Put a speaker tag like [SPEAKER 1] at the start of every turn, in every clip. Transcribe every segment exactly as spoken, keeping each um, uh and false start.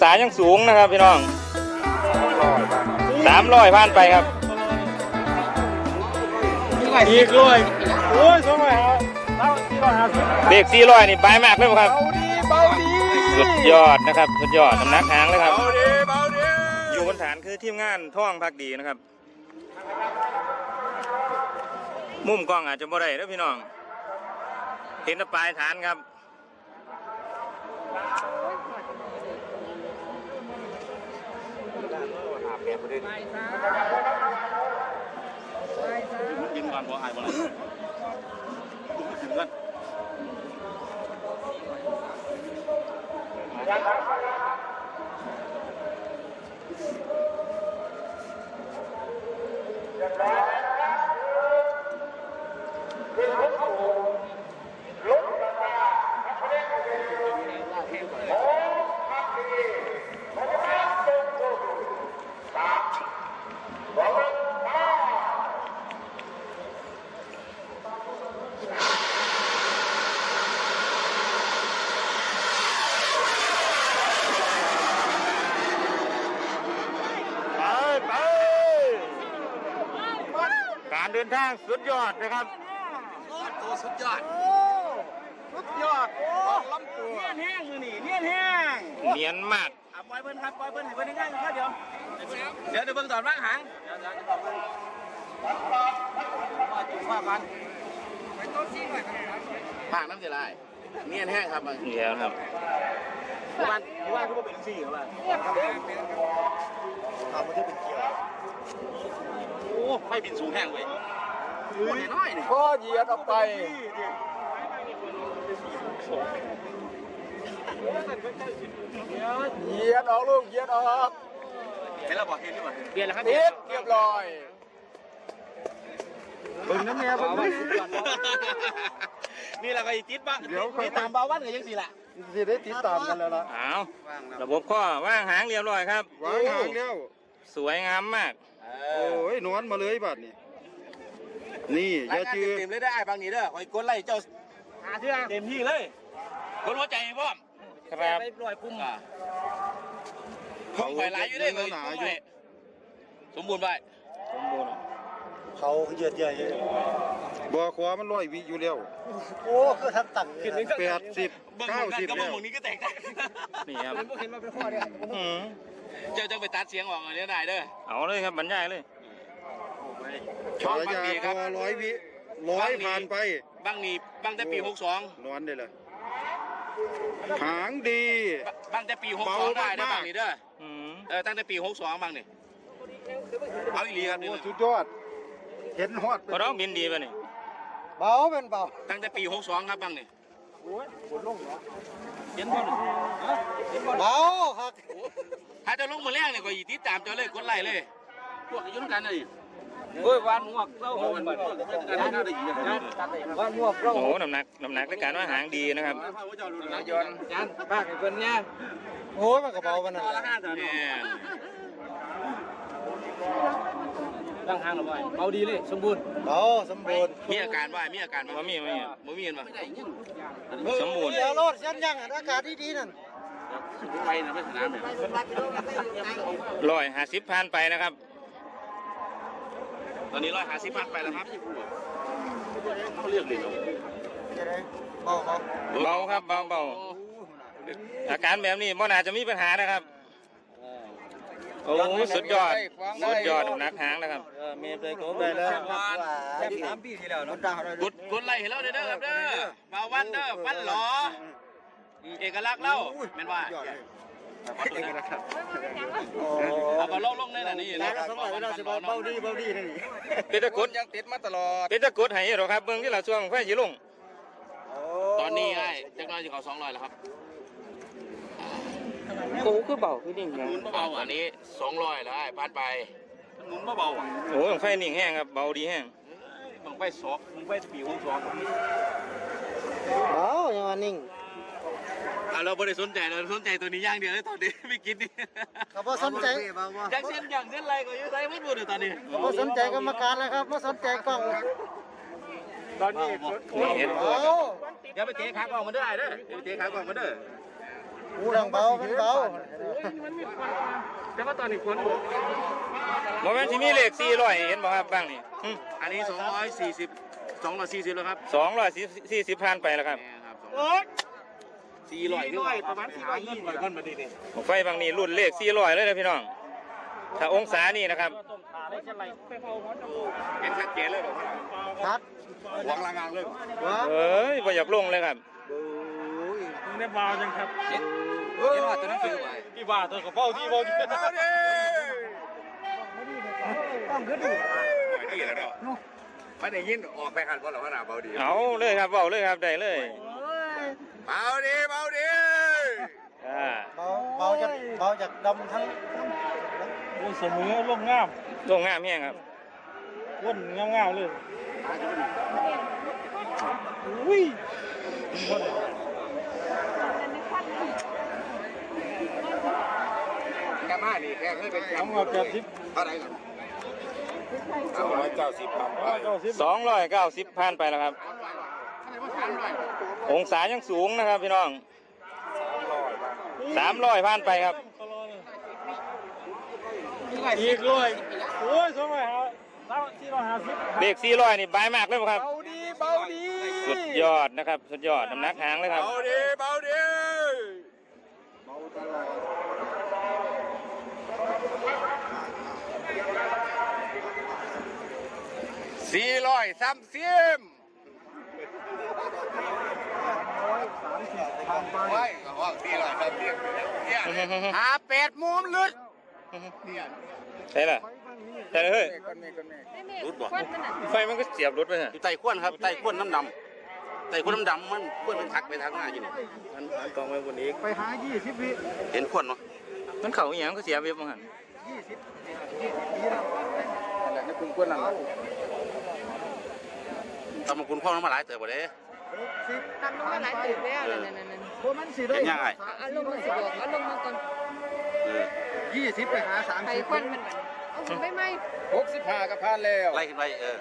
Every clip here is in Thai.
[SPEAKER 1] สายยังสูงนะครับพี่น้องสามร้อยผ่านไปครับ
[SPEAKER 2] อีกร้อยโอ้ยสองร้อยห้าสี่ร้อยห้าสิบ
[SPEAKER 1] เบรกสี่ร้อยนี่ใบมากเลยครับ
[SPEAKER 2] เบาดีเบาดี
[SPEAKER 1] สุดยอดนะครับสุดยอดน้ำหนักหางเลยครับ
[SPEAKER 2] เบาดีเบาดี
[SPEAKER 1] อยู่บนฐานคือทีมงานท่องพักดีนะครับมุมกล้องอาจจะบ่ได้นะพี่น้องเห็นแต่ปลายฐานครับ
[SPEAKER 2] กินก่อนพอหายหมดเลยถึงกัน
[SPEAKER 1] การเดินทางสุดยอดนะครับ
[SPEAKER 2] ตัวสุดยอดสุดยอดลำตัวเนียนแห้งอยู่นี่เนียนแห้ง
[SPEAKER 1] เนียนมาก
[SPEAKER 2] ปล่อยเบิ้ลครับปล่อยเบิ้ลให้เบิ้ลง่ายๆครับเดี๋ยวเดี๋ยวเดี๋ยวเบิ้ลตอนว่างหางว่ากันไปต้นซีหน่อยผ่างน้ำเสียลายเนียนแห้งครับ
[SPEAKER 1] นี่แล้วครับ
[SPEAKER 2] บ้านบ้านก็เป็นซีครับบ้านทำมาที่เป็นเกียร์โอ้ไม่บินสูงแห้งเว้ยน้อยนี่ก็เหยียดออกไปเหยียดออกลูกเหยียดออกเห็นแล้วบอกเห็นหรือเปล่าเปลี่ยนแล้วครับเรียบร้อยบึ้งน้ำเมียบึ้งนี่แหละก็ติดปะเดี๋ยวติดตามเบาวันกันยังสิล่ะสิได้ติดตามกันแล้วล่ะ
[SPEAKER 1] อ้าวระบบข้อว่างหางเรียบร้อยครับ
[SPEAKER 2] ว่างหางแล้ว
[SPEAKER 1] สวยงามมาก
[SPEAKER 2] โอ้ยนอนมาเลยบัดนี่นี่อย่าจืดเต็มเลยได้บางนี้เด้อคอยกดไล่เจ้าหาเชื่อเต็มที่เลยกดหัวใจพ่อม
[SPEAKER 1] ครับ
[SPEAKER 2] ไปปล่อยพุ่งอ่ะพุ่งไปหลายอยู่ได้เลยสมบูรณ์ไป
[SPEAKER 1] สมบูรณ์
[SPEAKER 2] เขาเยือดใหญ่บ่อขวามันลอยวิอยู่แล้วโอ้คือทับตังแปดสิบเก้าสิบแล้วนี้ก็แตก
[SPEAKER 1] นี่ครับ
[SPEAKER 2] มันพวกเห็นมาเป็นข้อเนี่ยเจ้าจะไปตัดเสียงออกเนี่ยได้เด้อ
[SPEAKER 1] เอาเลยครับบรรยายเลย
[SPEAKER 2] ชอบบังนีครับร้อยวิร้อยผ่านไปบังนีบังแต่ปีหกสองนอนได้เลยหางดีบังแต่ปีหกสองได้นะบังนี้เด้อเออตั้งแต่ปีหกสองบังนี่เอาอีหลีครับสุดยอดเห็นฮอด
[SPEAKER 1] พอร้องบินดีป่ะนี่
[SPEAKER 2] เบาเป็นเบาตั้งแต่ปีหกสองครับบังนี่โอ้ยปวดลงเหรอเห็นบ่เบาครับถ้าจะลงมาแรกเนี่ยก็ยีติดตามเจ้าเลยกดไล่เลยพวกยุ่งกันเลยโอ้ยวานหมวกเล่าวันหมวกวันหมวกเล่า
[SPEAKER 1] โอ้น้ำหนักน้ำหนักในการว่าหางดีนะครับ
[SPEAKER 2] นายนยันป้าไอ้คนเนี้ยโอ้ยมันกระเป๋ามันน่ะร่างหางหรือไม่เบาดีเลยสมบูรณ์เบาสมบูรณ์มีอาการว่ามีอาการ
[SPEAKER 1] ว่ามีไหม
[SPEAKER 2] บ่มีเห็นป่ะ
[SPEAKER 1] สมบูรณ์
[SPEAKER 2] เดี๋ยวรถยันยังอากาศดีๆนั่นไปนะไม่สนามเนี่ย
[SPEAKER 1] ร้อยห้าสิบพันไปนะครับ
[SPEAKER 2] ตอนนี้ร้อยห้าสิบพันไปแล้วครับเขาเรียกเลยเบา
[SPEAKER 1] เบาครับเบาเบาอาการแบบนี้มันอาจจะมีปัญหานะครับโอ้สุดยอดสุดยอดนักหางนะครับ
[SPEAKER 2] เมย์ไปโกไปแล้วแค่สามปีที่แล้วเนาะกดกดไล่ให้เราเด้อครับเด้อมาวันเด้อฟันหล่อเอกลักษณ์เล่าเป็นว่าเอกลักษณ์เอามาลงลงในนั้นนี่นะเบาดีเบาดีนี่
[SPEAKER 1] เป็นตะกุด
[SPEAKER 2] ยังติดมาตลอด
[SPEAKER 1] เป็นตะกุดให้หรอครับเบื้องที่เราช่วงไฟยีลง
[SPEAKER 2] ตอนนี้ไอ้เจ้าน้อยจะเขาสองร้อยแล้วครับ
[SPEAKER 1] โอ้คือเบาคือนิ่ง
[SPEAKER 2] หมุนเบาอันนี้สองร้อยแล้วไอ้พันไปหมุนเบาอ่ะ
[SPEAKER 1] โอ้ไฟนิ่งแห้งครับเบาดีแห้ง
[SPEAKER 2] มึงไปสอกมึงไปปีวงสองเบาอย่างว่านิ่งเราไม่ได้สนใจเราสนใจตัวนี้ย่างเดียวเลยตอนนี้ไม่กินนี่เขาไม่สนใจอย่างเช่นอย่างเช่นอะไรก็ยังไงไม่หมดเลยตอนนี้เขาไม่สนใจกรรมการเลยครับไม่สนใจกล้องตอนนี้
[SPEAKER 1] เห็นตัว
[SPEAKER 2] อย่าไปเตะขากล้องมาเด้อไอ้เด้ออย่าไปเตะขากล้องมาเด้อ
[SPEAKER 3] เรื่องเบามันเบา
[SPEAKER 4] แต่ว่าตอนนี้ฝน
[SPEAKER 1] โมเมนต์ที่มีเลขสี่ร้อยเห็นบ่ครับบ้างนี่
[SPEAKER 2] อันนี้สองร้อยสี่สิบสองร้อยสี่สิบแล้วครับ
[SPEAKER 1] สองร้อยสี่สิบพันไปแล้วครับ
[SPEAKER 2] นี่ครับ
[SPEAKER 4] โอ๊ย
[SPEAKER 2] สี่ร้อย
[SPEAKER 4] สี่ร้อยประมาณสี่ร้อยยี่สิบเงินมาดีดิ
[SPEAKER 1] ไฟบางนี้รุ่นเลขสี่ร้อยเลยนะพี่น้องถ้าองศานี่นะครับ
[SPEAKER 2] เห็นชัดเจนเลยบอก
[SPEAKER 3] ชัด
[SPEAKER 2] หวังลางานเลย
[SPEAKER 3] วะ
[SPEAKER 1] เอ้ยบ่อยากลงเลยครับ
[SPEAKER 4] มึงได้บาวยังครับ
[SPEAKER 2] เห็นว่าตัวนั้นคือไว้
[SPEAKER 4] พี่ว่าตัวกระเป๋าที่บอลที่
[SPEAKER 2] เอาดิ
[SPEAKER 3] ต้องขึ้นดิ
[SPEAKER 2] ดีแล้วเนาะไม่ได้ยินออกไปกันเพราะเราขนาดเบาดี
[SPEAKER 1] เอาเลยครับเบาเลยครับได้เลย
[SPEAKER 2] เบาดีเบาดี
[SPEAKER 1] อ่า
[SPEAKER 3] เบาเบาจากเบาจากดำทั้ง
[SPEAKER 4] เสมอลงงาม
[SPEAKER 1] ลงงามแห้งครับ
[SPEAKER 4] วนงามงามเลยอุ้ย
[SPEAKER 2] แค่มานี่แค่เคยเป็นแชม
[SPEAKER 4] ทำ
[SPEAKER 2] ป์
[SPEAKER 4] เอาแบบทิพ
[SPEAKER 2] เท่าไหร่ก่อนสองร้อยเก้าสิบพันไป
[SPEAKER 4] เก้าสิบ
[SPEAKER 1] สองร้อยเก้าสิบพันไปแล้วครับ องศายังสูงนะครับพี่น้องสามร้อยพันไปครับ
[SPEAKER 4] อีกเลยโอ้ยสองร้อยห้าสามสี่ร้อยห้าสิบ
[SPEAKER 1] เลขสี่ร้อยนี่บายมากเลยครับ
[SPEAKER 4] เบาดีเบาดี
[SPEAKER 1] สุดยอดนะครับ สุดยอดน้ำหนักหางเลยครับ
[SPEAKER 2] เบาดีเบาดีสี่ร้อยสามสิบไว้ก็ว่าสี่ร้อยสามสิบเนี่ยหาแปดมุมลึดเนี่ย
[SPEAKER 1] ใช่ล่ะใช่เลยเฮ้ย
[SPEAKER 2] รุดบ่
[SPEAKER 1] ไฟมันก็เสียบรถไปฮะ
[SPEAKER 2] อยู่ใต้ขวนครับใต้ขวนน้ำดำใต้ขวนน้ำดำมันขวนมันทักไปทางหน้าอยู่นี่มันมันกองไว้บนนี้
[SPEAKER 3] ไปหายี่สิบวิ
[SPEAKER 2] เห็นขวนเนาะ
[SPEAKER 1] มันเข่าอหย่างก็เสียเว็บมั้งหัน
[SPEAKER 3] ยี่สิบยี่สิบปีแล้วนั่นแหละนี่คุณควรนั่นแหละ
[SPEAKER 2] ทำมาคุณพ่อน้ำมาหลายเติบบ่เด้
[SPEAKER 3] สิบ
[SPEAKER 5] ทำลงมาหลายตื่นแล้วนั่นนั่นนั่น
[SPEAKER 3] พวกมันสิได้
[SPEAKER 2] เห็นยังไง
[SPEAKER 5] เอาลงมาสิบอกเอาลงมาก่อน
[SPEAKER 2] เออ
[SPEAKER 3] ยี่สิบไปหาสาม
[SPEAKER 5] ไป
[SPEAKER 3] สิบ
[SPEAKER 5] ควันมันบัดเอาหุ่นไม่ไหม
[SPEAKER 3] หกสิบห้ากับพันแล้ว
[SPEAKER 2] ไล่ขึ้นไปเออ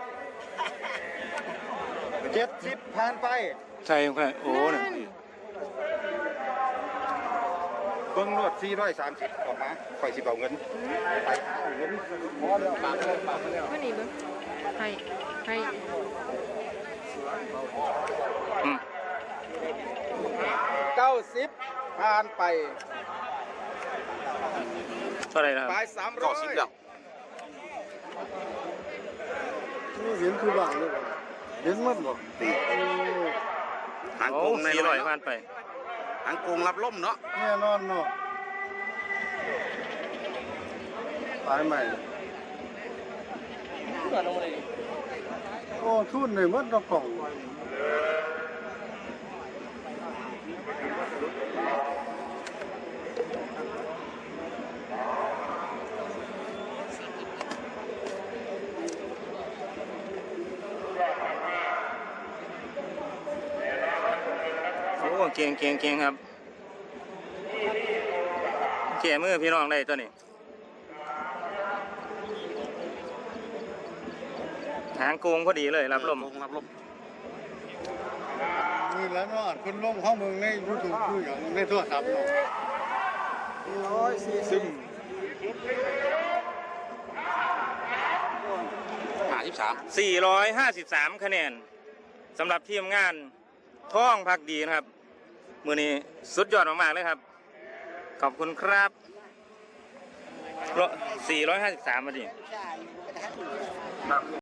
[SPEAKER 3] เจ็ดสิบผ่านไป
[SPEAKER 1] ใช่ครับโอ้เนี่ย
[SPEAKER 5] นั่น
[SPEAKER 3] เบิ้งรวดสี่ร้อยสามสิบออกมาคอยสิบเอาเงินไปเอาเงินพอแล้วปากแล้วปากแล้ว
[SPEAKER 5] ว่านี่เบิ้งให้ให้
[SPEAKER 1] อืม
[SPEAKER 3] เก้าสิบผ่านไป
[SPEAKER 1] เท่าไหรนะครับ
[SPEAKER 3] ไปสามร้
[SPEAKER 2] ก็
[SPEAKER 3] อย
[SPEAKER 2] สิบแล้ว
[SPEAKER 3] นี่เห็นคือบ้างเลยบ่เห็นมันบ่
[SPEAKER 2] หาง
[SPEAKER 1] โอ้
[SPEAKER 2] โกงใน
[SPEAKER 1] สี่ร้อย
[SPEAKER 2] เนาะ
[SPEAKER 1] พันไป
[SPEAKER 2] หางโกงรับล่มเนาะ
[SPEAKER 3] แน่นอนเนาะตายใหม่โอ้ทุนเลยมันตะกล่อง
[SPEAKER 1] โอ้เก่งเก่งเก่งครับแก่มือพี่น้องได้ตัวนี้หางโกงพอดีเลยรับลม
[SPEAKER 2] โกงรับล่ม
[SPEAKER 3] นี่แล้วเนาะคุณลงข้อมึงในยูทูบคืออย่างในโทรศัพท์เนาะร้อยสี่สิบ
[SPEAKER 2] หาสิบสาม
[SPEAKER 1] สี่ร้อยห้าสิบสามคะแนนสำหรับทีมงานท่องพักดีนะครับ มือนี้สุดยอดมากๆเลยครับ ขอบคุณครับสี่ร้อยห้าสิบสามมาดิ